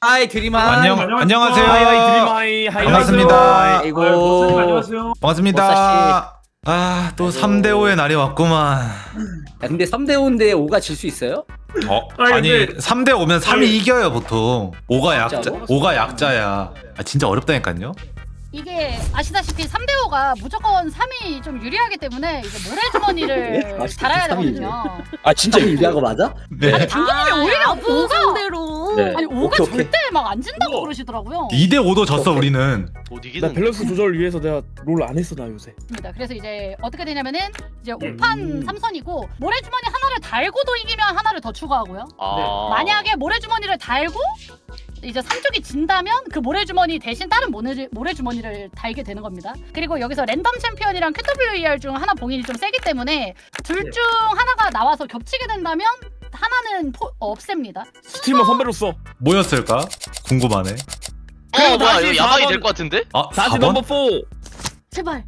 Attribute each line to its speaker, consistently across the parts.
Speaker 1: 하이 드림아.
Speaker 2: 안녕하세요.
Speaker 3: 하이 드림하이.
Speaker 2: 반갑습니다.
Speaker 1: 아이고.
Speaker 3: 안녕하세요.
Speaker 2: 반갑습니다. 아, 또 3대5의 날이 왔구만.
Speaker 1: 야, 근데 3대5인데 5가 질 수 있어요?
Speaker 2: 아니,
Speaker 3: 근데-
Speaker 2: 3대5면 3이 이겨요, 보통. 5가 약자,
Speaker 1: 진짜로?
Speaker 2: 5가 약자야. 아, 진짜 어렵다니까요?
Speaker 4: 이게 아시다시피 3대5가 무조건 3이 좀 유리하기 때문에 이제 모래주머니를
Speaker 1: 아,
Speaker 4: 달아야
Speaker 1: 3이
Speaker 4: 되거든요.
Speaker 3: 아 진짜
Speaker 1: 유리한 거 맞아?
Speaker 2: 네.
Speaker 4: 아니 당근님이 오히려 5가
Speaker 5: 상대로.
Speaker 3: 네.
Speaker 4: 아니 5가
Speaker 1: 오케이, 오케이.
Speaker 4: 절대 막 안 진다고 그러시더라고요.
Speaker 2: 2대5도 졌어, 우리는.
Speaker 6: 못
Speaker 3: 나
Speaker 6: 이기는.
Speaker 3: 밸런스 조절 위해서 내가 롤 안 했어 나 요새.
Speaker 4: 입니다. 그래서 이제 어떻게 되냐면은 이제 5판 3선이고 모래주머니 하나를 달고도 이기면 하나를 더 추가하고요.
Speaker 6: 아.
Speaker 4: 만약에 모래주머니를 달고 이제 3쪽이 진다면 그 모래주머니 대신 다른 모래주머니를 달게 되는 겁니다. 그리고 여기서 랜덤 챔피언이랑 QWER 중 하나 봉인이 좀 세기 때문에 둘 중 하나가 나와서 겹치게 된다면 하나는 없앱니다.
Speaker 3: 스트리머 선배로서.
Speaker 2: 뭐였을까? 궁금하네.
Speaker 6: 뭐야
Speaker 3: 다시
Speaker 6: 이거 야방이
Speaker 3: 4번.
Speaker 6: 될 것 같은데?
Speaker 2: 아,
Speaker 3: 다시
Speaker 2: 4번?
Speaker 3: 넘버 4.
Speaker 5: 제발.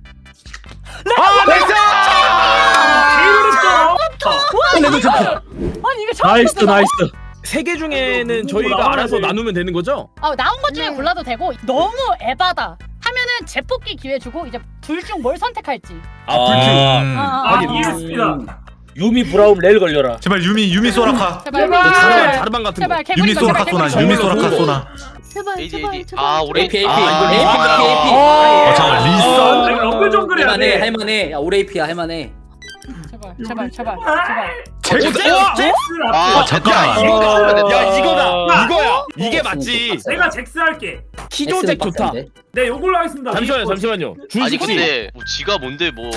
Speaker 4: 아니 이게 처음
Speaker 3: 나이스
Speaker 4: 봤어.
Speaker 3: 나이스. 세 개 중에는 저희가 알아서 나누면 되는 거죠?
Speaker 4: 나온 것 중에
Speaker 5: 네.
Speaker 4: 골라도 되고 너무 에바다 하면은 재뽑기 기회 주고 이제 둘 중 뭘 선택할지.
Speaker 3: 아 불큐.
Speaker 2: 하긴.
Speaker 3: 이해했습니다. 유미 브라움 렐 걸려라.
Speaker 2: 제발, 유미 소라카.
Speaker 4: 제발
Speaker 3: 자르반 같은 거.
Speaker 4: 제발
Speaker 2: 유미
Speaker 4: 개구리
Speaker 2: 소라카 쏘나, 유미 소라카 쏘나.
Speaker 5: 제발.
Speaker 6: AD
Speaker 5: 제발.
Speaker 6: AD.
Speaker 5: 제발.
Speaker 6: 아 우리
Speaker 1: AP, AP.
Speaker 3: 이거
Speaker 1: AP.
Speaker 2: 어, 잠깐만, 리선?
Speaker 1: 할만해, 할만해. 야, 오레이피야, 할만해.
Speaker 4: 제발.
Speaker 2: 아, 잠깐만.
Speaker 3: 야 이거다. 이거야. 이게 맞지.
Speaker 7: 내가 잭스 할게.
Speaker 3: 키조잭 좋다.
Speaker 7: 네, 요걸로 하겠습니다.
Speaker 3: 잠시만요.
Speaker 6: 아니
Speaker 3: 준식 씨.
Speaker 6: 근데 뭐 지가 뭔데 뭐.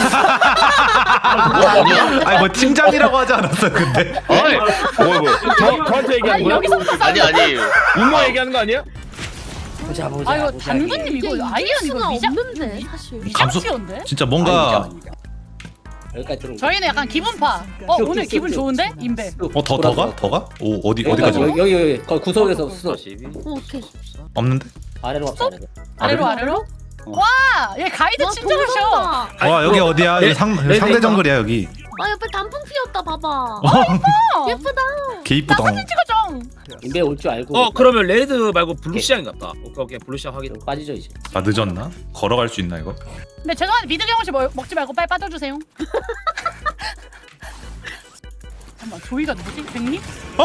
Speaker 2: 아니, 뭐, 팀장이라고 하지 않았어요, 근데?
Speaker 6: 아니
Speaker 3: 뭐야. 저한테 얘기하는
Speaker 4: 아니
Speaker 3: 거야?
Speaker 4: 여기서부터
Speaker 6: 아니 아니.
Speaker 3: 운마 얘기하는 거 아니야?
Speaker 1: 보자.
Speaker 4: 아 이거 당근님 이거 아이언 이거
Speaker 5: 수가
Speaker 4: 미장
Speaker 5: 없는데 사실.
Speaker 4: 미장치인데?
Speaker 2: 진짜 뭔가,
Speaker 1: 여기까지 들어온
Speaker 4: 저희는 약간 기분파. 오늘 기분 좋은데? 인베.
Speaker 2: 더 가? 더 가? 오, 어디까지 가?
Speaker 1: 여기 거기 구석에서 수
Speaker 5: 오케이.
Speaker 2: 없는데?
Speaker 1: 아래로 갑시다.
Speaker 4: 아래로? 와! 얘 가이드
Speaker 5: 와,
Speaker 4: 친절하셔.
Speaker 5: 동선다.
Speaker 2: 와, 여기 어디야?
Speaker 3: 네,
Speaker 2: 여기 상대 정글이야, 여기.
Speaker 5: 아 옆에 단풍 피었다 봐봐. 예쁘다.
Speaker 2: 개 이쁘다.
Speaker 4: 사진 찍어줘.
Speaker 1: 인베 올 줄 알고
Speaker 3: 그러면 레드 말고 블루 시장 같다. 오케이 블루 시장 확인.
Speaker 1: 빠지죠 이제.
Speaker 2: 아, 늦었나? 걸어갈 수 있나, 이거?
Speaker 4: 근데 죄송한데 미드 경호 씨 먹지 말고 빨리 빠져주세요. 잠깐만 조이가 누구지? 백님?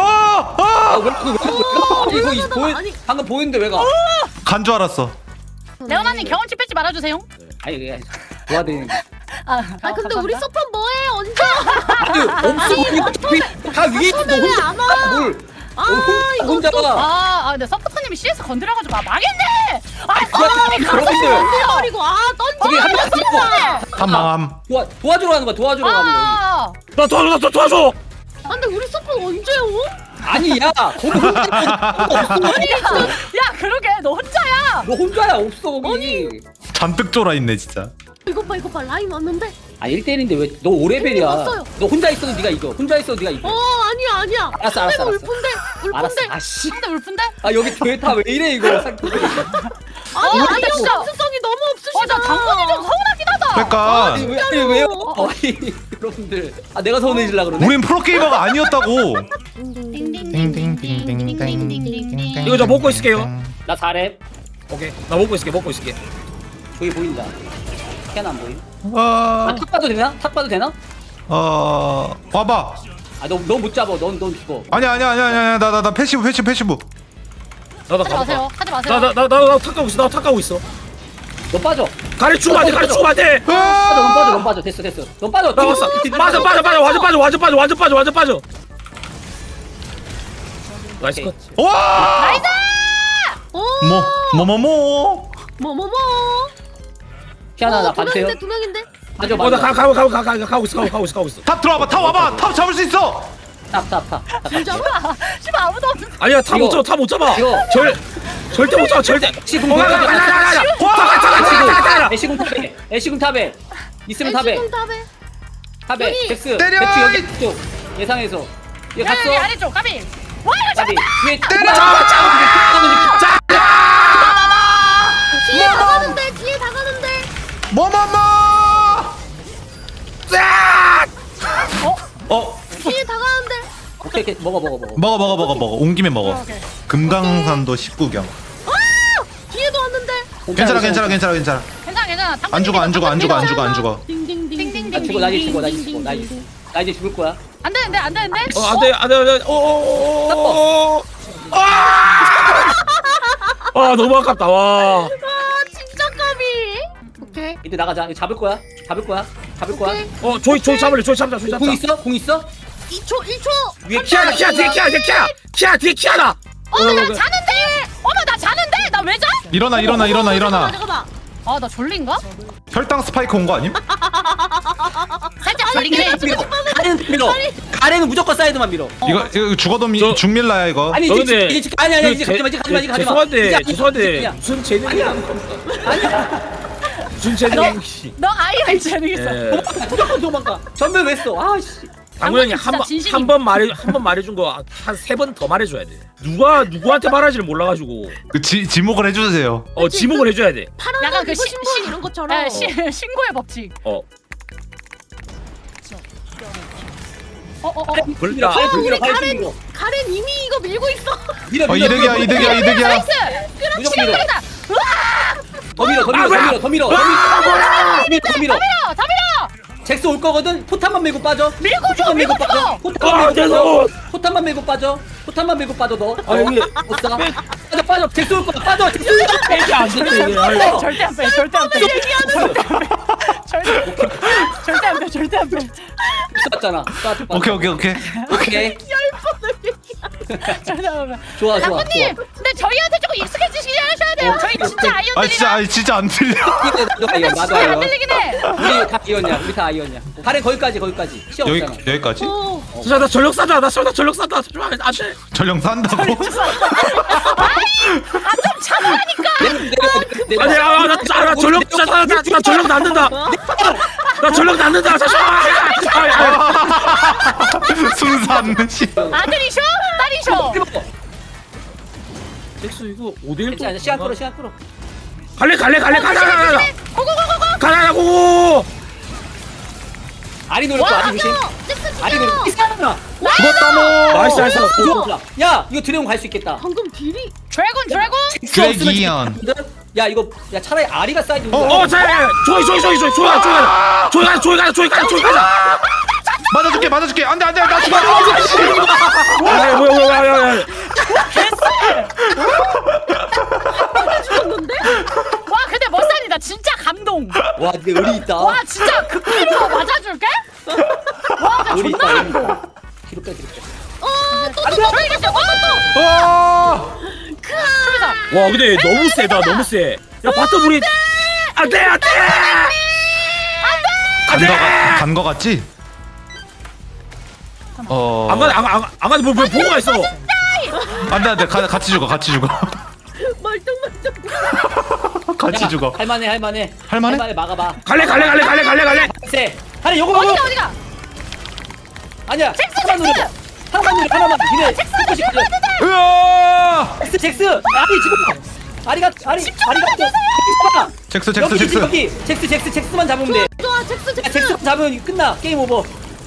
Speaker 1: 이거
Speaker 5: 아니.
Speaker 1: 방금 보이는데 왜 가?
Speaker 2: 간 줄 알았어.
Speaker 4: 레오나님 경험치 뺏지 말아주세요.
Speaker 1: 아니 그게 도와드리는 거.
Speaker 5: 아 근데 우리 서폿 뭐해 언제?
Speaker 1: 아니 없어. 다 위에 있어. 너 혼자
Speaker 5: 안 와?
Speaker 1: 뭘?
Speaker 5: 아 이거
Speaker 1: 혼자가.
Speaker 4: 근데 서포터님이 CS 건드려가지고 망했네!
Speaker 1: 그런데
Speaker 5: 던져버리고
Speaker 1: 거기 한
Speaker 5: 던져.
Speaker 1: 명
Speaker 2: 한망함.
Speaker 1: 도와주러 가는 거야. 도와주러 가는 거야.
Speaker 3: 나 도와줘.
Speaker 5: 아, 근데 우리 서폿 언제 오?
Speaker 1: 아니야. 거기 혼자 없어.
Speaker 4: 야 그러게 너 혼자야!
Speaker 1: 너 혼자야 없어 거기.
Speaker 2: 잔뜩 쫄아 있네, 진짜.
Speaker 5: 이거 봐 라인 왔는데.
Speaker 1: 아 1대1인데 왜 너 5레벨이야.
Speaker 5: 왔어요.
Speaker 1: 너 혼자 있어도 네가 이겨. 혼자 있어도 네가 이겨.
Speaker 5: 아니야.
Speaker 1: 알았어.
Speaker 5: 내가 울픈데.
Speaker 1: 알았어. 아씨.
Speaker 4: 상대 울픈데?
Speaker 1: 아 여기 교회타 왜 이래 이거.
Speaker 5: 아니
Speaker 4: 근데
Speaker 5: 아이언
Speaker 4: 진짜-
Speaker 5: 감수성이 너무 없으시다.
Speaker 4: 나 당근이 좀 서운하긴 하다!
Speaker 2: 그러니까
Speaker 1: 아니 왜요? 아니 여러분들. 아 내가 서운해질라 그러네.
Speaker 2: 우린 프로게이머가 아니었다고.
Speaker 3: 이거 저 먹고 있을게요.
Speaker 1: 나 4렙.
Speaker 3: 오케이. 나 먹고 있을게.
Speaker 1: 저기 보인다. 캐나 안 보임?
Speaker 2: 어,
Speaker 1: 탁 봐도 되나? 탁 봐도 되나?
Speaker 2: 와봐.
Speaker 1: 아 너 못 잡아. 넌 죽어.
Speaker 2: 아니야. 나 패시브.
Speaker 3: 나도
Speaker 4: 하지 마세요. 하지 마세요.
Speaker 3: 나나 탁가고 있어. 나 탁가고 있어.
Speaker 1: 너 빠져.
Speaker 3: 가르치면 안 돼.
Speaker 1: 넌 빠져. 됐어. 넌 빠져.
Speaker 3: 나 왔어. 빠져. 완전 빠져. 나이스 컷.
Speaker 2: 와!
Speaker 4: 나이스!
Speaker 2: 뭐?
Speaker 5: 뭐뭐뭐.
Speaker 1: 피아나 나 봐주세요.
Speaker 5: 두 명인데.
Speaker 1: 맞아.
Speaker 3: 나 가고 있어.
Speaker 2: 탑 들어와봐. 탑 와봐. 탑 잡을 수 있어.
Speaker 1: 탑.
Speaker 4: 씨발 아무도 없는.
Speaker 3: 아니야 다 못 잡아.
Speaker 1: 이거.
Speaker 3: 절대 못 잡아. 절대.
Speaker 1: 시공
Speaker 3: 가.
Speaker 1: 애쉬궁 탑에. 있으면 탑에. 탑에.
Speaker 5: 여기.
Speaker 1: 잭스.
Speaker 2: 때려!
Speaker 1: 잭스 여기 쪽. 예상해서. 얘 갔어.
Speaker 4: 여기 아래쪽 까비! 와 이거
Speaker 1: 답이.
Speaker 4: 잡았다!
Speaker 1: 위에
Speaker 2: 때려!
Speaker 5: 뒤에 다가는데.
Speaker 2: 어?
Speaker 5: 뒤에 다가는데.
Speaker 1: 오케이. 먹어.
Speaker 2: 먹어. 온 김에 먹어.
Speaker 4: 오케이.
Speaker 2: 금강산도 19경.
Speaker 5: 뒤에도 왔는데.
Speaker 2: 괜찮아 괜찮아 괜찮아 괜찮아.
Speaker 4: 괜찮아.
Speaker 2: 안 죽어 안 죽어 안 죽어 안 죽어 안 죽어.
Speaker 5: 띵띵띵띵.
Speaker 1: 나 죽어 나 이제 죽어 나 이제 죽어 나 이제 죽을 거야.
Speaker 4: 안 되는데.
Speaker 3: 안돼. 너무 아깝다. 와.
Speaker 5: 진짜 까비. 오케이.
Speaker 1: 이제 나가자. 이거 잡을 거야.
Speaker 3: 조이 잡을래. 조이 잡자.
Speaker 1: 공 있어? 공 있어?
Speaker 5: 2초.
Speaker 3: 위에 키아나 뒤에 키아나.
Speaker 4: 어머 나 자는데. 어머 나 자는데. 나 왜 자?
Speaker 2: 일어나.
Speaker 5: 잠깐만.
Speaker 4: 아 나 졸린가?
Speaker 2: 혈당 스파이크 온 거 아님?
Speaker 4: 살짝 졸리긴 해.
Speaker 1: 가래는 밀어. 가래는 무조건 사이드만 밀어.
Speaker 2: 이거 죽어도 죽밀라야 이거.
Speaker 1: 아니
Speaker 3: 저 근데
Speaker 1: 이제 아니 이제 가지마 가지마.
Speaker 3: 죄송한데 무슨 재능이야? 무슨 재능?
Speaker 4: 너 아이언 재능있어.
Speaker 1: 무조건 도망가. 전멸 왜 써? 아씨.
Speaker 3: 당연히
Speaker 4: 진짜 진심이-
Speaker 3: 한 번 말해준 거 한 3번 더 말해줘야 돼. 누구한테 말하지를 몰라가지고
Speaker 2: 그 지목을 해주세요.
Speaker 3: 지목을 해줘야 돼.
Speaker 5: 파란
Speaker 4: 약간
Speaker 5: 옷
Speaker 4: 그
Speaker 5: 입으신 분 이런 것처럼.
Speaker 4: 신고의 법칙.
Speaker 3: 불다.
Speaker 1: 밀어.
Speaker 5: 가렌 이미 이거 밀고 있어.
Speaker 1: 밀어.
Speaker 2: 이득이야.
Speaker 4: 나이스.
Speaker 1: 무조건 밀어.
Speaker 4: 시간이다.
Speaker 1: 더 밀어.
Speaker 4: 다 밀어.
Speaker 1: 잭스 올 거거든. 포탄만 밀고 빠져.
Speaker 4: 밀고 줘,
Speaker 1: 포탄만
Speaker 4: 밀고
Speaker 1: 밀고 빠져.
Speaker 4: 줘.
Speaker 1: 포탄만 밀고 빠져. 포탄만 밀고 빠져 너.
Speaker 3: 아 여기
Speaker 1: 못 사. 빠져. 잭스 올 거야. 빠져. 잭스 올 거야.
Speaker 3: 이게 안 되네 이게.
Speaker 4: 절대 안 빼. 절대 안 빼. 절대 안 빼.
Speaker 1: 쐈잖아.
Speaker 2: 오케이.
Speaker 1: 오케이.
Speaker 4: 절대 안 빼.
Speaker 1: 좋아.
Speaker 4: 장군님, 근데 저희한테 조금 익숙해지시게 하셔야 돼요. 저희 진짜 아이언들이랑
Speaker 2: 진짜 안 틀려.
Speaker 1: 나도
Speaker 4: 안
Speaker 1: 아이언.
Speaker 4: 들리긴 해.
Speaker 1: 우리 다 아이언이야. 가래 거기까지. 시야 없잖아.
Speaker 2: 여기까지?
Speaker 3: 나 전력 싼다. 나 전력 싼다. 안돼.
Speaker 2: 전령 산다고?
Speaker 4: 좀 참으라니까.
Speaker 3: 아니야. 나 전력 싼다. 나 전력 낳는다. 나 전력 낳는다.
Speaker 2: 순산 씨.
Speaker 4: 아들이셔? 딸이셔?
Speaker 3: 잭스 이거 5대1
Speaker 1: 괜찮아. 시간 끌어.
Speaker 3: 갈래. 가자.
Speaker 4: 고고고고고.
Speaker 3: 가자고.
Speaker 1: 아리 노릴 거 아리 조심. 아리 노릴 거. 이상하다.
Speaker 2: 죽었다 뭐.
Speaker 3: 나이스.
Speaker 1: 좋아. 야 이거 드래곤 갈 수 있겠다.
Speaker 5: 방금 딜이.
Speaker 4: 드래곤.
Speaker 2: 드래기언.
Speaker 1: 야 이거 야 차라리 아리가 사이드.
Speaker 3: 자. 조이 가자.
Speaker 2: 맞아줄게. 안돼 나 죽어.
Speaker 3: 뭐야.
Speaker 4: 와 근데 멋살이다. 진짜 감동.
Speaker 1: 와 근데 의리 있다.
Speaker 4: 와 진짜 극히로 맞아줄게? 와 진짜
Speaker 1: 의리
Speaker 4: 존나
Speaker 1: 있다.
Speaker 4: 감동.
Speaker 1: 뒤로 빼.
Speaker 4: 저희가
Speaker 3: 와 근데 너무 세다. 너무 세. 야 바텀 우리 안돼.
Speaker 2: 간 거 같지?
Speaker 3: 안 가네. 뭐 보고가 있어.
Speaker 2: 안돼 같이 죽어.
Speaker 5: 멀뚱멀뚱.
Speaker 2: 같이 죽어.
Speaker 1: 할만해. 막아봐.
Speaker 3: 갈래.
Speaker 1: 세. 아니 요거.
Speaker 4: 어디가?
Speaker 1: 아니야. 하나만 누려. 니네.
Speaker 2: 으아!
Speaker 1: 잭스. 아리 지금. 아리가.
Speaker 2: 잭스.
Speaker 1: 여기. 잭스만 잡으면 돼.
Speaker 5: 좋아 잭스.
Speaker 1: 야, 잭스만 잡으면 끝나. 게임 오버.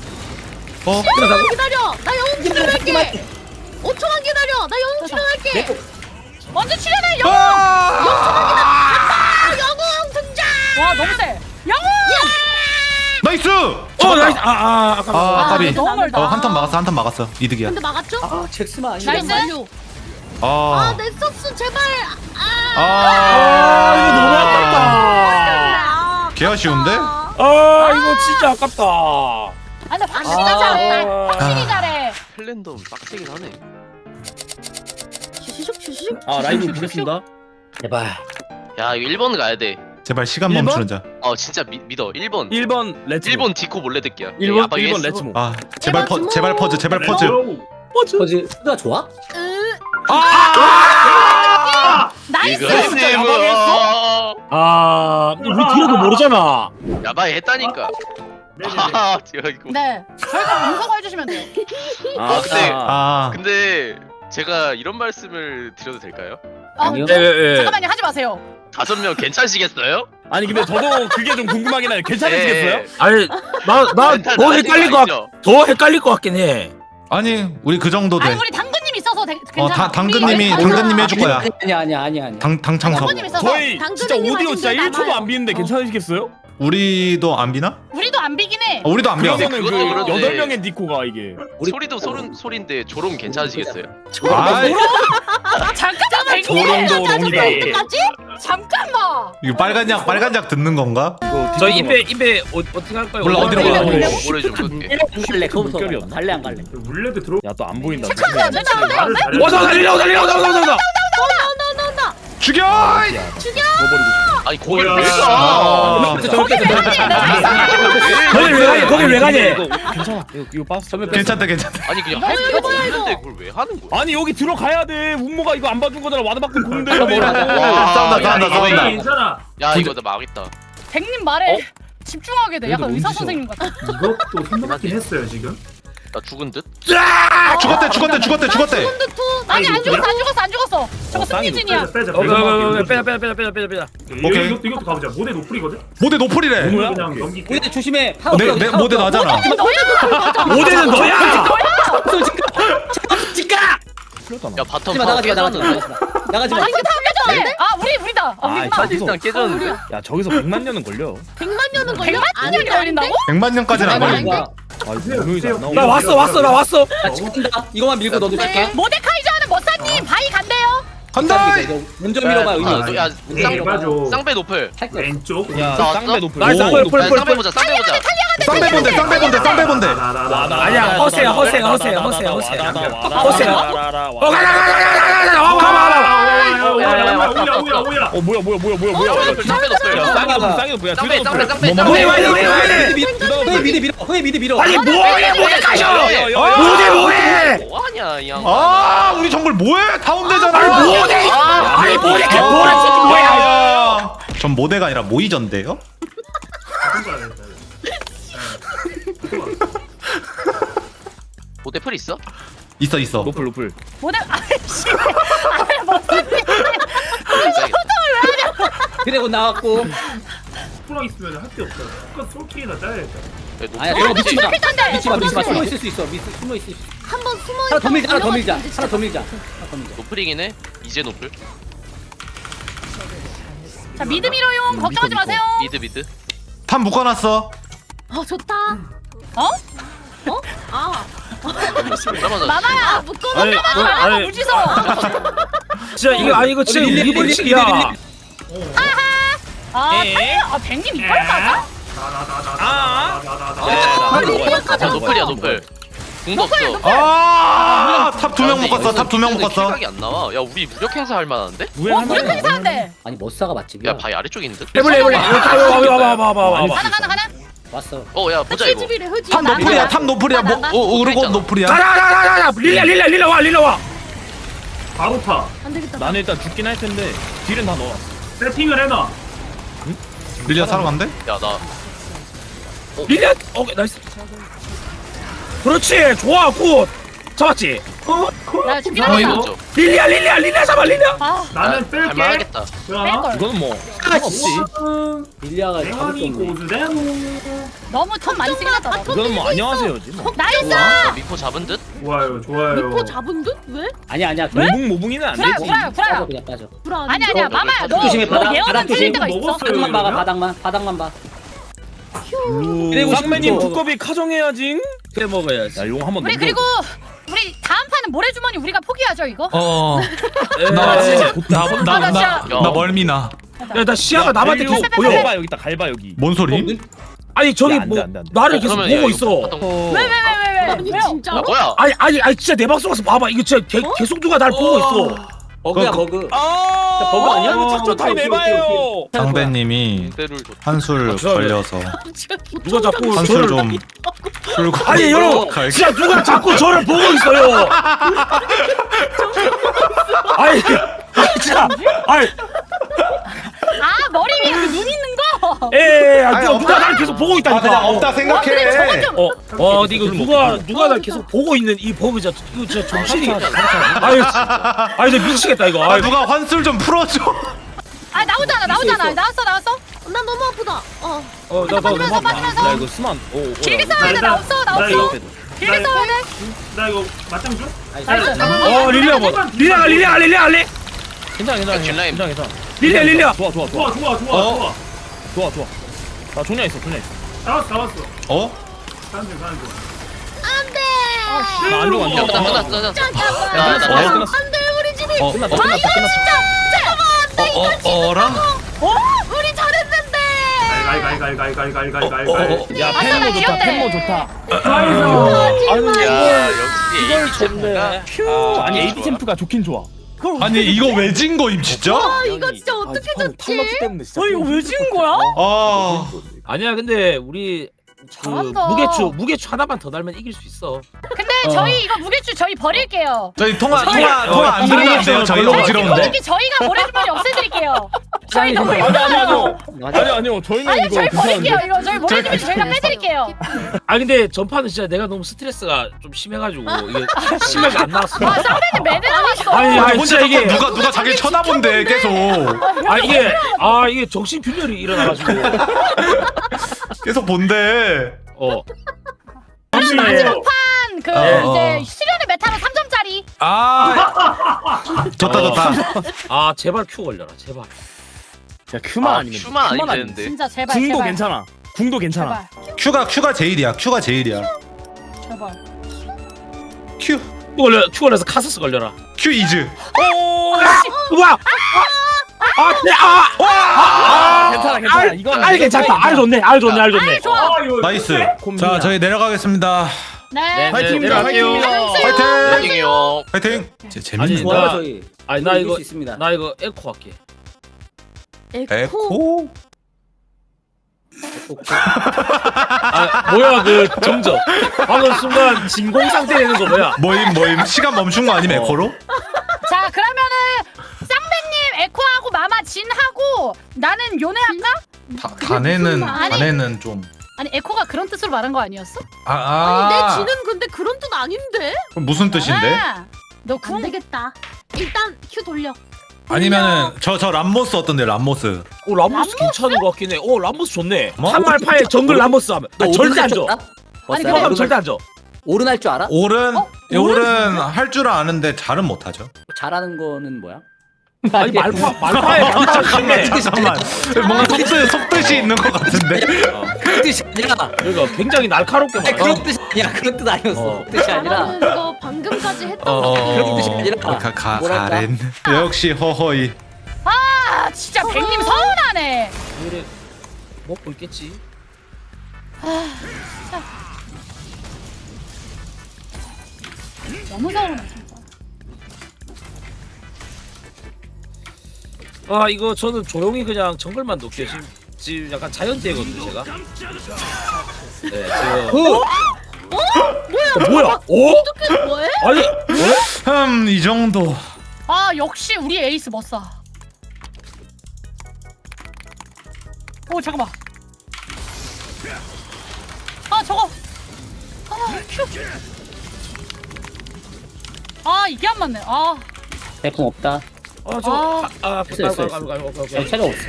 Speaker 5: 기다려. 나 영웅 출연할게. 5초만 기다려. 나 영웅 출연할게.
Speaker 4: 먼저 출연해.
Speaker 5: 영웅 등장.
Speaker 4: 와 너무 세. 영웅.
Speaker 2: 나이스.
Speaker 3: 나이스. 아까
Speaker 2: 까비.
Speaker 4: 너무 멀다.
Speaker 2: 한턴 막았어. 이득이야.
Speaker 5: 근데 막았죠?
Speaker 1: 아 잭스만 아니야.
Speaker 4: 나이스.
Speaker 5: 완료. 넥서스 제발.
Speaker 3: 이거 너무 아깝다.
Speaker 2: 개 아쉬운데?
Speaker 3: 이거 진짜 아깝다.
Speaker 4: 근데 확실히 잘해. 확실히 잘해.
Speaker 6: 펠랜덤 빡세긴 하네.
Speaker 5: 슈슉.
Speaker 3: 라이브 보겠습니다.
Speaker 1: 제발.
Speaker 6: 야 이거 1번 가야 돼.
Speaker 2: 제발 시간
Speaker 3: 1번?
Speaker 2: 멈추는 자.
Speaker 6: 진짜 믿어. 1번.
Speaker 3: 1번 레츠.
Speaker 6: 1번 디코 몰래 듣기야.
Speaker 3: 1번 레츠모.
Speaker 2: 제발 퍼즈.
Speaker 1: 퍼즈 수가 좋아?
Speaker 4: 나이스.
Speaker 6: 이거님.
Speaker 3: 우리 뒤로도 모르잖아.
Speaker 6: 야바이 했다니까. 이거.
Speaker 4: 네. 저희가 분석을 해주시면 돼요.
Speaker 6: 근데 제가 이런 말씀을 드려도 될까요?
Speaker 1: 아니요.
Speaker 4: 잠깐만요. 하지 마세요.
Speaker 6: 5명 괜찮으시겠어요?
Speaker 3: 아니 근데 저도 그게 좀 궁금하긴 해요. 괜찮으시겠어요?
Speaker 6: 네.
Speaker 3: 아니
Speaker 6: 멘탈
Speaker 3: 더
Speaker 6: 나중에 아니죠?
Speaker 3: 헷갈릴 것 같긴 해.
Speaker 2: 아니 우리 그 정도 돼.
Speaker 4: 아니 우리 당근님 있어서 괜찮아.
Speaker 2: 당근님이
Speaker 4: 우리
Speaker 2: 당근님이 해줄 거야.
Speaker 1: 아니야.
Speaker 2: 당창섭.
Speaker 4: 당근님 있어서
Speaker 3: 저희
Speaker 5: 당근은
Speaker 3: 진짜 오디오
Speaker 5: 해주면
Speaker 3: 진짜
Speaker 5: 남아요.
Speaker 3: 1초도 안 비는데 괜찮으시겠어요?
Speaker 2: 우리도 안 비나?
Speaker 4: 우리도 안 비긴 해.
Speaker 2: 우리도 안 비어.
Speaker 3: 그러면은 그
Speaker 6: 그것도 그런데.
Speaker 3: 8명의 니코가 이게
Speaker 6: 소리도 소린데 조롱 괜찮으시겠어요?
Speaker 2: 아이,
Speaker 4: 잠깐만 백님.
Speaker 3: 조롱도 롱이다.
Speaker 4: 잠깐만.
Speaker 2: 이거 빨간 약 듣는 건가?
Speaker 3: 저희 입에 어떻게 할까요?
Speaker 2: 몰라, 어디로 가?
Speaker 6: 오래 좀 끌게.
Speaker 1: 안 갈래. 그거부터
Speaker 3: 물결이 없나?
Speaker 1: 갈래 안 갈래.
Speaker 7: 물레도 들어.
Speaker 3: 야또 안 보인다.
Speaker 4: 잠깐만 잠깐만.
Speaker 7: 말을 잘해.
Speaker 3: 달리려.
Speaker 2: 죽여!
Speaker 6: 아니 거기를
Speaker 7: 뭐야.
Speaker 6: 왜 가?
Speaker 2: 아,
Speaker 3: 거기 왜 가니? 괜찮아. 이거 빠스.
Speaker 2: 괜찮다.
Speaker 6: 아니 그냥 할 필요가 없는데 그걸 왜 하는 거야?
Speaker 3: 아니 여기 들어가야 돼. 운모가 이거 안 봐준 거잖아. 와드 받고 공대.
Speaker 2: 싸운다.
Speaker 7: 괜찮아.
Speaker 6: 야 이거 나 망했다.
Speaker 4: 백님 말에 집중하게 돼. 약간
Speaker 7: 그래도
Speaker 4: 의사
Speaker 7: 운치죠.
Speaker 4: 선생님 같아.
Speaker 7: 이것도 생각하긴 했어요 지금.
Speaker 6: 나 죽은 듯?
Speaker 2: 죽었대.
Speaker 4: 아니 안 죽었어. 저거
Speaker 3: 쌍이
Speaker 4: 승리진이야.
Speaker 7: 빼자.
Speaker 3: 빼자.
Speaker 2: 오케이.
Speaker 7: 이것도 가보자. 모델 노플이거든.
Speaker 2: 모대 노플이래.
Speaker 3: 뭐야?
Speaker 7: 그냥 넘길게.
Speaker 1: 우리 조심해.
Speaker 2: 내 모대 나잖아.
Speaker 3: 모델은 너야.
Speaker 6: 야 바텀
Speaker 1: 하지마 나가지 마. 나가지 마.
Speaker 4: 아 우리다.
Speaker 6: 사실상 깨졌는데?
Speaker 3: 야 저기서 100만 년은 걸려.
Speaker 5: 100만 년은 걸려?
Speaker 4: 100만 년이 걸린다고?
Speaker 2: 100만 년까지는 안
Speaker 5: 아니,
Speaker 2: 걸려.
Speaker 3: 아 이거 분명히 안 나오네.
Speaker 7: 나 왔어.
Speaker 1: 나 찍는다. 이거만 밀고 너도 찍게.
Speaker 4: 모데카이저 하는 머사님 바이 간대요.
Speaker 2: 간다.
Speaker 1: 이거 먼저 밀어봐. 의미.
Speaker 6: 야
Speaker 7: 맞아.
Speaker 6: 쌍배 노플.
Speaker 1: 할게.
Speaker 7: 왼쪽.
Speaker 3: 야
Speaker 6: 나왔어?
Speaker 3: 쌍배 높을.
Speaker 2: 나이스.
Speaker 6: 야, 쌍배 보자 쌍배 보자.
Speaker 2: 쌍배 본대.
Speaker 3: 아니야 허세야.
Speaker 7: 오야.
Speaker 3: 뭐야.
Speaker 6: 쌍배 노플.
Speaker 3: 쌍이 뭐야?
Speaker 6: 쌍배.
Speaker 1: 왜 미드 밀어.
Speaker 3: 아니 뭐해 모델카셔.
Speaker 6: 뭐하냐 이 양.
Speaker 2: 아, 우리 정글 뭐해? 다운되잖아.
Speaker 3: 아니 모델카
Speaker 2: 뭐야? 전 모대가 아니라 모이전데요?
Speaker 6: 모대플 있어?
Speaker 2: 있어.
Speaker 3: 높을.
Speaker 4: 모데 아이씨. 아 머사님.
Speaker 1: 그리고 나왔고.
Speaker 7: 프랑 있으면 할 게 없어. 똑같 솔킬이나 짜야겠다.
Speaker 1: 아니야. 저거 믿지 마.
Speaker 4: 필던데.
Speaker 1: 믿지 마. 숨어 있을 수 있어. 숨어 있을 수 있어.
Speaker 5: 한번 숨어
Speaker 1: 하나 더 밀자.
Speaker 5: 있다가
Speaker 1: 하나 더 밀자.
Speaker 5: 올라갔는데
Speaker 1: 하나 더
Speaker 5: 진짜.
Speaker 1: 밀자.
Speaker 6: 노플이긴 해. 이제 노플.
Speaker 4: 자 미드 밀어용 걱정하지 마세요.
Speaker 6: 미드.
Speaker 2: 탑 묶어놨어.
Speaker 5: 좋다.
Speaker 4: 어?
Speaker 5: 아
Speaker 6: 잠깐만.
Speaker 4: 마마야.
Speaker 3: 아니
Speaker 4: 마마 무지성.
Speaker 3: 진짜 이거 진짜
Speaker 1: 릴리,
Speaker 3: 우리 벌칙이야.
Speaker 4: 아 백님 이걸 맞아?
Speaker 6: 노플이야 노플. 궁도 없어.
Speaker 2: 아, 탑 2명 묶었어. 탑 2명 묶었어.
Speaker 6: 생각이 안 나와. 야 우리 무력 행사 할 만한데?
Speaker 4: 무력한 이사한데.
Speaker 1: 아니 머싸가 맛집이야.
Speaker 6: 야 바위 아래쪽에 있는데?
Speaker 3: 해볼래. 와봐.
Speaker 4: 가나.
Speaker 1: 왔어.
Speaker 6: 야 보자 이거.
Speaker 5: 흡집이래 흡집.
Speaker 2: 탑 노플이야. 그리고 노플이야.
Speaker 3: 가라. 릴리아 와.
Speaker 7: 바로 타.
Speaker 5: 안 되겠다.
Speaker 3: 나는 일단 죽긴 할 텐데 딜은 다 넣어.
Speaker 7: 세팅을 해놔.
Speaker 2: 릴리아 사러 간대?
Speaker 6: 야 나.
Speaker 3: 릴리아 오케이 나이스. 그렇지 좋아 굿 잡았지.
Speaker 4: 나 죽긴
Speaker 6: 바위
Speaker 4: 하겠다.
Speaker 6: 먼저.
Speaker 3: 릴리아 잡아 릴리아.
Speaker 4: 아
Speaker 7: 나는 뺄게.
Speaker 6: 할만하겠다.
Speaker 4: 뺄걸.
Speaker 3: 이거는 뭐 상관없지.
Speaker 1: 릴리아가 잡을 수
Speaker 7: 대만이
Speaker 1: 없네.
Speaker 7: 고즈대노.
Speaker 4: 너무 턴 많이 쓰긴 했다.
Speaker 3: 이거는 뭐 안녕하세요지 뭐.
Speaker 4: 나이스.
Speaker 6: 야, 미포 잡은 듯?
Speaker 7: 좋아요.
Speaker 5: 미포 잡은 듯? 왜?
Speaker 1: 아니야.
Speaker 3: 모붕이는 안
Speaker 4: 구라야
Speaker 3: 되지.
Speaker 4: 구라야.
Speaker 1: 빠져 그냥 빠져.
Speaker 5: 불안.
Speaker 4: 아니야 마마야 너
Speaker 1: 조심해, 바닥
Speaker 4: 예언은 틀릴
Speaker 1: 조심.
Speaker 4: 때가 있어.
Speaker 7: 먹었어요.
Speaker 1: 바닥만 봐봐.
Speaker 7: 그러면?
Speaker 1: 바닥만 봐.
Speaker 3: 그리고 쌍매님
Speaker 1: 싶어.
Speaker 3: 두꺼비 카정해야지. 그래 먹어야지. 야용 한번
Speaker 4: 우리 그리고 우리 다음 판은 모래주머니 우리가 포기하죠 이거?
Speaker 2: 나 멀미나.
Speaker 3: 야나 시야가 남한테 계속 보여.
Speaker 6: 갈바
Speaker 3: 여기 있다 갈바 여기.
Speaker 2: 뭔 소리?
Speaker 3: 아니 저기 안 돼, 뭐 안 돼, 안 돼. 나를 계속
Speaker 6: 그러면 야,
Speaker 3: 보고
Speaker 6: 이거
Speaker 3: 있어.
Speaker 6: 바텀-
Speaker 4: 왜?
Speaker 5: 아니
Speaker 4: 왜요?
Speaker 5: 진짜로?
Speaker 6: 야 뭐야?
Speaker 3: 아니 진짜 내 방송 가서 봐봐. 이거 진짜 계속 누가 날 보고 있어.
Speaker 1: 버그야 버그.
Speaker 3: 아
Speaker 1: 버그 아니야?
Speaker 3: 착조 타임 해봐요.
Speaker 2: 상배님이
Speaker 6: 대를 줬.
Speaker 2: 한술 걸려서
Speaker 3: 누가 자꾸
Speaker 2: 한술
Speaker 3: 저를
Speaker 2: 좀 풀고.
Speaker 3: 아니 여러분
Speaker 2: 갈게.
Speaker 3: 진짜 누가 자꾸 저를 보고 있어요. 아니 진짜 아니
Speaker 4: 아 머리 위에 그 눈 있는 거.
Speaker 3: 에 누가 날 계속 보고 있다니까.
Speaker 2: 그냥 없다 생각해.
Speaker 3: 근데 이거 누가 날 계속 보고 있는 이 버그 진짜 이거 진짜 정신이. 아니 나 미치겠다 이거.
Speaker 2: 아, 누가 환술 좀 풀어줘.
Speaker 4: 아 나오잖아. 나왔어.
Speaker 5: 나 너무 아프다.
Speaker 3: 나
Speaker 4: 빠지면서.
Speaker 3: 이거 수만.
Speaker 4: 길게 싸워야 돼. 나왔어. 길게 싸워야 돼.
Speaker 7: 나 이거 맞짱 줘?
Speaker 4: 나이스.
Speaker 3: 릴리아 뭐 릴리아 알래?
Speaker 8: 괜찮아
Speaker 6: 뒷라인.
Speaker 8: 괜찮아.
Speaker 3: 릴리아
Speaker 8: 좋아.
Speaker 7: 좋아 좋아 좋아
Speaker 2: 어?
Speaker 7: 좋아.
Speaker 8: 좋아. 나 종료 있어.
Speaker 7: 나왔어.
Speaker 2: 어?
Speaker 7: 가는 중.
Speaker 5: 안돼.
Speaker 8: 나안 좋아.
Speaker 6: 야, 끝났어.
Speaker 5: 잠깐만. 안돼 우리 집이.
Speaker 2: 어라?
Speaker 5: 우리 잘했는데.
Speaker 7: 갈갈갈갈갈갈갈갈갈.
Speaker 8: 야
Speaker 4: 아싸, 나
Speaker 8: 펜모 좋다.
Speaker 4: 귀엽네.
Speaker 8: 펜모 좋다.
Speaker 6: 야, 역시 AB 챔프가.
Speaker 8: 아니 AP 챔프가 좋긴 좋아.
Speaker 2: 아니 이거 왜 진 거임 진짜?
Speaker 5: 아 이거 진짜 어떻게 졌지?
Speaker 8: 때문에 진짜.
Speaker 4: 이거 왜 지은 거야?
Speaker 2: 아
Speaker 3: 아니야 근데 우리 그
Speaker 4: 잘한다.
Speaker 3: 무게추 하나만 더 달면 이길 수 있어.
Speaker 4: 근데 저희 이거 무게추 저희 버릴게요.
Speaker 2: 저희 통화 안 들리는데요? 저희 어지러운데?
Speaker 4: 솔직히 저희가 모래주머니 없애드릴게요. 저희 너무
Speaker 8: 아니요. 저희는
Speaker 4: 아니
Speaker 8: 이거
Speaker 4: 저희 버릴게요.
Speaker 8: 괜찮은데.
Speaker 4: 이거 저희 모래주머니 저희가 빼드릴게요.
Speaker 3: 아 근데 전파는 진짜 내가 너무 스트레스가 좀 심해가지고 이게 심하게 안 나왔어.
Speaker 4: 아 쌍배님 매드 나왔어.
Speaker 3: 아니
Speaker 2: 혼자
Speaker 3: 진짜 이게
Speaker 2: 누가 자기 쳐다본대 계속
Speaker 3: 이게 정신 균열이 일어나가지고
Speaker 2: 계속 본대.
Speaker 4: 마지막 그
Speaker 2: 어.
Speaker 4: 이제 수련의 메타로 3점짜리.
Speaker 2: 아 좋다.
Speaker 3: 아 제발 큐 걸려라 제발.
Speaker 8: 야 큐만 아니면.
Speaker 6: 큐만 아니면 되는데.
Speaker 4: 진짜 제발
Speaker 8: 궁도
Speaker 4: 제발.
Speaker 8: 괜찮아. 궁도 괜찮아.
Speaker 4: 제발
Speaker 2: 큐가 제일이야.
Speaker 4: 제발.
Speaker 2: 큐
Speaker 3: 큐 걸려서 카스스 걸려라.
Speaker 2: 큐 이즈.
Speaker 3: 우와.
Speaker 8: 괜찮아. 이건
Speaker 3: 알 괜찮다. 알 좋네.
Speaker 4: 아이 좋아.
Speaker 2: 나이스.
Speaker 8: 콤비야.
Speaker 2: 자 저희 내려가겠습니다.
Speaker 4: 네.
Speaker 8: 파이팅!
Speaker 3: 내려갈게요.
Speaker 2: 화이팅!
Speaker 6: 파이팅이요.
Speaker 2: 화이팅! 재밌네.
Speaker 3: 좋아요,
Speaker 1: 저희.
Speaker 3: 아니 나 이거
Speaker 1: 있습니다.
Speaker 3: 나 이거 에코 할게.
Speaker 2: 에코?
Speaker 3: 아 뭐야 그 정적. 방금 순간 진공 상태 되는 거 뭐야?
Speaker 2: 모임 시간 멈춘 거 아니면 에코로?
Speaker 4: 자 그러면은 쌍배님 에코하고 마마 진하고 나는 요네 할까?
Speaker 2: 가네는 좀.
Speaker 4: 아니 에코가 그런 뜻으로 말한 거 아니었어?
Speaker 5: 아니 내 지는 근데 그런 뜻 아닌데?
Speaker 2: 그럼 무슨 뜻인데?
Speaker 4: 너
Speaker 5: 안
Speaker 4: 궁.
Speaker 5: 되겠다. 일단 큐 돌려.
Speaker 2: 아니면은 저 람모스 어떤데 람모스?
Speaker 3: 오 람보스 괜찮은 거 같긴 해. 오 람보스 좋네.
Speaker 2: 뭐?
Speaker 3: 한말파에 정글 람보스 하면
Speaker 1: 너
Speaker 3: 절대 안 줘.
Speaker 1: 아니
Speaker 3: 그거 하면 절대 안 줘.
Speaker 1: 오른 할 줄 알아?
Speaker 2: 올은 할 줄 아는데 잘은 못하죠.
Speaker 1: 잘하는 거는 뭐야?
Speaker 3: 아니 말파에 람보스 강해.
Speaker 2: 잠깐만 뭔가 속뜻이 있는 것 같은데.
Speaker 1: 그런 뜻이 아니라.
Speaker 3: 그러니까 굉장히 날카롭게
Speaker 1: 아니,
Speaker 3: 말해.
Speaker 1: 그런 뜻이 아니야. 그런 뜻 아니었어. 그런 뜻이 아니라.
Speaker 5: 나는 이거 방금까지 했던 거.
Speaker 1: 그런 뜻이 아니라. 뭐랄까?
Speaker 2: 가렌 역시 허허이.
Speaker 4: 아 진짜 백님 서운하네.
Speaker 3: 그래 먹고 있겠지.
Speaker 4: 너무 서운해 진짜.
Speaker 3: 아 이거 저는 조용히 그냥 정글만 놓게 지금 약간 자연재거든요 제가. 네 지금. 뭐야? 오?
Speaker 5: 어떻게 뭐해?
Speaker 3: 아니
Speaker 2: 이 정도.
Speaker 4: 아 역시 우리 에이스 멋사. 오 잠깐만. 아 저거. 아 큐. 아 이게 안 맞네. 아.
Speaker 1: 대풍 없다.
Speaker 3: 됐어.
Speaker 1: 차가 없어.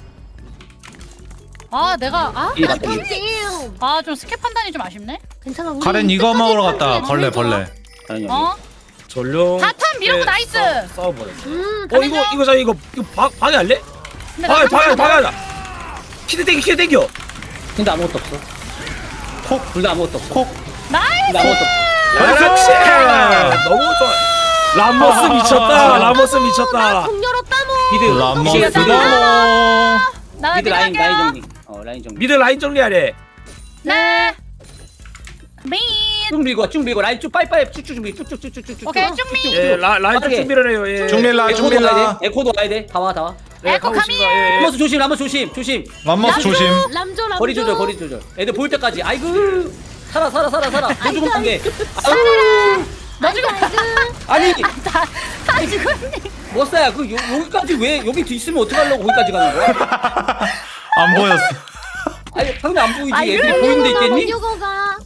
Speaker 4: 아 내가
Speaker 1: 이게 맞다.
Speaker 4: 좀 스킵 판단이 좀 아쉽네.
Speaker 5: 괜찮아. 우리
Speaker 2: 가렌 이거
Speaker 5: 이때까지
Speaker 2: 먹으러 갔다.
Speaker 5: 했던
Speaker 2: 벌레.
Speaker 1: 아니
Speaker 4: 어?
Speaker 3: 전령.
Speaker 4: 다탄 밀고 나이스.
Speaker 3: 싸워버렸어.
Speaker 5: 가렌
Speaker 3: 이거 방해할래?
Speaker 4: 근데
Speaker 3: 방해하자. 키드 땡겨.
Speaker 1: 근데 아무것도 없어. 콕. 둘 다 아무것도 없어. 콕.
Speaker 4: 나이스.
Speaker 1: 근데 아무것도 없어.
Speaker 3: 그렇지. 너무 좋아. 람모스 미쳤다. 람모스 미쳤다.
Speaker 5: 공 열었다 뭐.
Speaker 1: 미드.
Speaker 2: 람모스.
Speaker 4: 나
Speaker 1: 미드 라인
Speaker 4: 할게요.
Speaker 1: 정리. 라인 정리.
Speaker 3: 미드 라인 정리하래.
Speaker 4: 네. 미.
Speaker 1: 쭉 밀고 라인 쭉 빠이빠이 쭉쭉 준비 쭉쭉쭉쭉쭉.
Speaker 4: 오케이 쭉 미.
Speaker 3: 예, 라인 좀
Speaker 1: 빠르게.
Speaker 3: 준비를 해요. 예.
Speaker 2: 중밀라.
Speaker 1: 에코도 와야 돼. 다 와.
Speaker 3: 네,
Speaker 4: 에코
Speaker 3: 가고
Speaker 4: 가미.
Speaker 3: 있습니다. 예.
Speaker 1: 람모스 조심.
Speaker 2: 람모스 조심.
Speaker 5: 람조.
Speaker 1: 거리 조절. 애들 보일 때까지. 아이고. 살아. 너 죽으면 안 돼.
Speaker 4: 너 지금
Speaker 1: 아니.
Speaker 4: 다 죽었니?
Speaker 1: 머싸야 여기까지 왜 여기 있으면 어떡하려고 거기까지 가는 거야?
Speaker 2: 안 보였어.
Speaker 1: 아니 당연히 안 보이지. 애들이 보이는 데 있겠니?
Speaker 5: 유거가.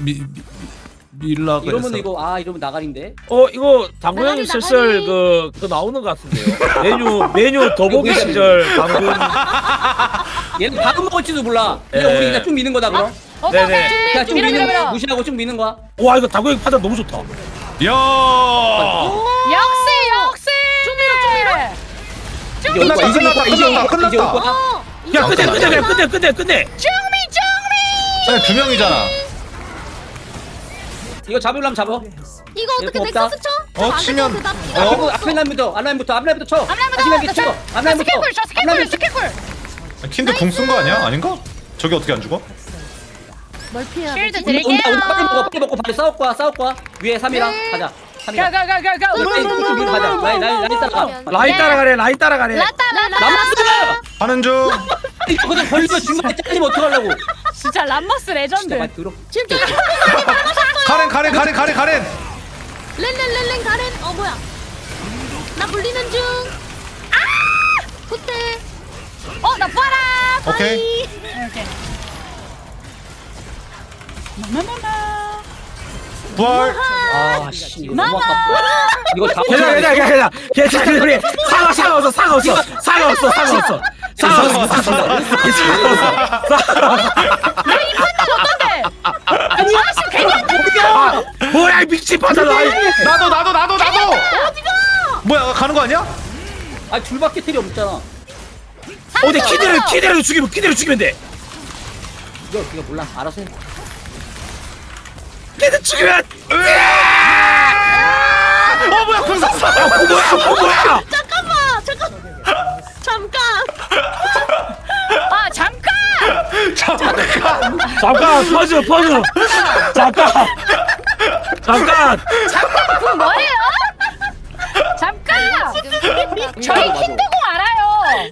Speaker 2: 밀라 그랬어.
Speaker 1: 이러면 이러면 나가린데.
Speaker 3: 이거 당구 형님 슬슬 그 나오는 것 같은데요. 메뉴 더보기 시절 당구.
Speaker 1: 얘는 밥은 먹을지도 몰라.
Speaker 3: 예.
Speaker 1: 그냥 우리 그냥 쭉 미는 거다 그럼.
Speaker 4: 오케이
Speaker 3: 네네.
Speaker 4: 오케이.
Speaker 1: 그냥 쭉
Speaker 4: 밀어
Speaker 1: 미는
Speaker 4: 밀어
Speaker 1: 거야.
Speaker 4: 밀어.
Speaker 1: 무시하고 쭉 미는 거야.
Speaker 3: 와 이거 다구역 판단 너무 좋다.
Speaker 2: 야.
Speaker 4: 역시. 쭉 밀어.
Speaker 1: 이제 올 거야. 이제 올 거야. 이제 올 거야.
Speaker 2: 끝났다,
Speaker 1: 이제 올 거야.
Speaker 3: 야 끝내.
Speaker 2: 아니 2명이잖아.
Speaker 1: 이거 잡으려면 잡어.
Speaker 5: 이거 어떻게
Speaker 1: 없다.
Speaker 5: 넥서스 쳐?
Speaker 2: 치면
Speaker 1: 앞에 앞라인부터 쳐. 앞라인부터 쳐. 앞라인부터.
Speaker 4: 스킬풀.
Speaker 2: 킨드 궁 쓴 거 아니야? 아닌가? 저기 어떻게 안 죽어?
Speaker 5: 뭘 피해야
Speaker 4: 쉴드
Speaker 5: 되지?
Speaker 4: 드릴게요.
Speaker 1: 온다. 빨리 먹고 바로 싸울 거야. 위에 3이랑
Speaker 5: 네.
Speaker 1: 가자. 3이랑.
Speaker 4: 가가가가가.
Speaker 1: 위로 가자. 라인 따라가.
Speaker 3: 라인 따라가래.
Speaker 4: 라따.
Speaker 1: 남았어.
Speaker 2: 하는 중.
Speaker 1: 이거 그냥 걸리면 중간에 잘리면 어떡하려고.
Speaker 4: 진짜 람머스 레전드.
Speaker 1: 진짜 많이 들어.
Speaker 5: 진짜
Speaker 2: 가렌.
Speaker 5: 렌 가렌. 뭐야? 나 불리는 중. 호텔.
Speaker 4: 나 봐라.
Speaker 2: 오케이.
Speaker 4: 이렇게. 마마마마.
Speaker 2: 부활.
Speaker 1: 아씨 이거 너무 아깝다. 이거 다
Speaker 3: 괜찮아. 우리 사과 없어.
Speaker 4: 어떤데? 아씨 괜히 한다.
Speaker 3: 뭐야 이 미친 판단.
Speaker 2: 나도. 뭐야 가는 거 아니야?
Speaker 1: 아 줄밖에 틀이 없잖아.
Speaker 3: 어디 키드를 죽이면 돼.
Speaker 1: 이거 몰라. 알아서 해.
Speaker 3: 키드 죽이면.
Speaker 2: 뭐야 궁 쐈어.
Speaker 3: 뭐야?
Speaker 5: 잠깐.
Speaker 4: 잠깐.
Speaker 3: 잠깐 퍼즈. 잠깐.
Speaker 4: 그 뭐예요? 잠깐. 저희 킨드공 알아요.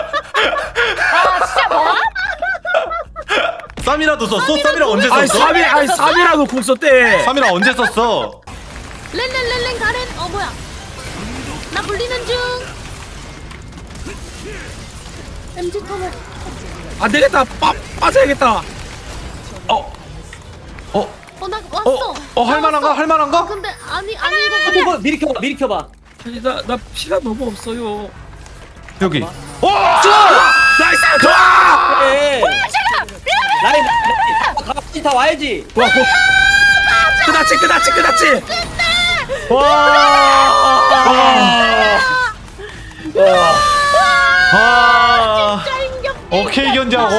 Speaker 4: 진짜 뭐?
Speaker 2: 쌈이라도 썼어? 쌈이랑 언제
Speaker 3: 아니
Speaker 2: 썼어?
Speaker 3: 3이라도 궁 썼대.
Speaker 2: 3이랑 언제 썼어?
Speaker 5: 렌 가렌. 뭐야? 나 불리는 중. MG 터보.
Speaker 3: 안 되겠다. 빠져야겠다.
Speaker 5: 나 왔어.
Speaker 2: 할만한가?
Speaker 5: 근데 아니 이거
Speaker 1: 이거 미리 켜봐.
Speaker 3: 아니 나 피가 너무 없어요.
Speaker 2: 여기.
Speaker 3: 나이스. 좋아.
Speaker 1: 그래. 라인 다 와야지.
Speaker 3: 와, 끝났지.
Speaker 2: 오케이 견자고.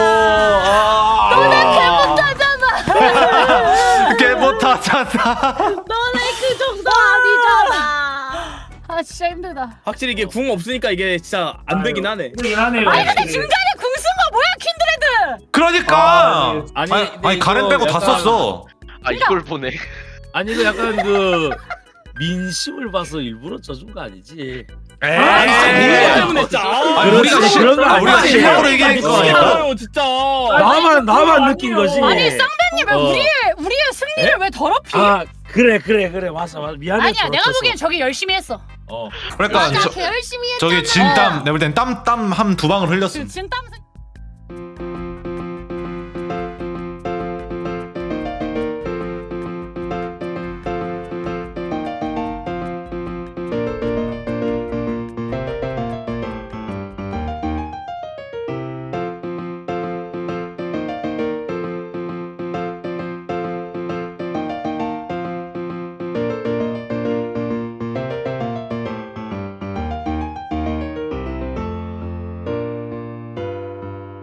Speaker 2: 개못하잖아.
Speaker 5: 너네 그 정도 아니잖아.
Speaker 4: 진짜 힘들다.
Speaker 8: 확실히 이게 궁 없으니까 이게 진짜 안 되긴 하네.
Speaker 7: 그러긴 하네요.
Speaker 4: 아니 근데 중간에 궁 쓴 거 뭐야 킨드레드?
Speaker 2: 그러니까.
Speaker 8: 아니,
Speaker 2: 아니
Speaker 8: 근데
Speaker 2: 가렌
Speaker 8: 이거
Speaker 2: 빼고 다
Speaker 8: 약간-
Speaker 2: 썼어.
Speaker 6: 아 이걸 보네.
Speaker 3: 아니 이거 약간 그 민심을 봐서 일부러 져준 거 아니지?
Speaker 8: 아, 진짜
Speaker 2: 에이.
Speaker 8: 이거 때문에 진짜.
Speaker 2: 아니,
Speaker 3: 그런 거
Speaker 2: 우리가
Speaker 3: 아니지.
Speaker 2: 실력으로 이기는 거 아니야?
Speaker 8: 아니야, 진짜.
Speaker 3: 나만 느낀 거지.
Speaker 4: 아니 쌍배님 왜
Speaker 3: 어.
Speaker 4: 우리의 승리를 왜 더럽히?
Speaker 3: 아 그래 맞아 미안해.
Speaker 4: 아니야 내가 보기엔 저기 열심히 했어.
Speaker 3: 어.
Speaker 2: 그러니까
Speaker 5: 맞아, 개 열심히 했잖아.
Speaker 2: 저기 진땀 내가 볼 땐 땀 한 2방울 흘렸음.
Speaker 4: 진땀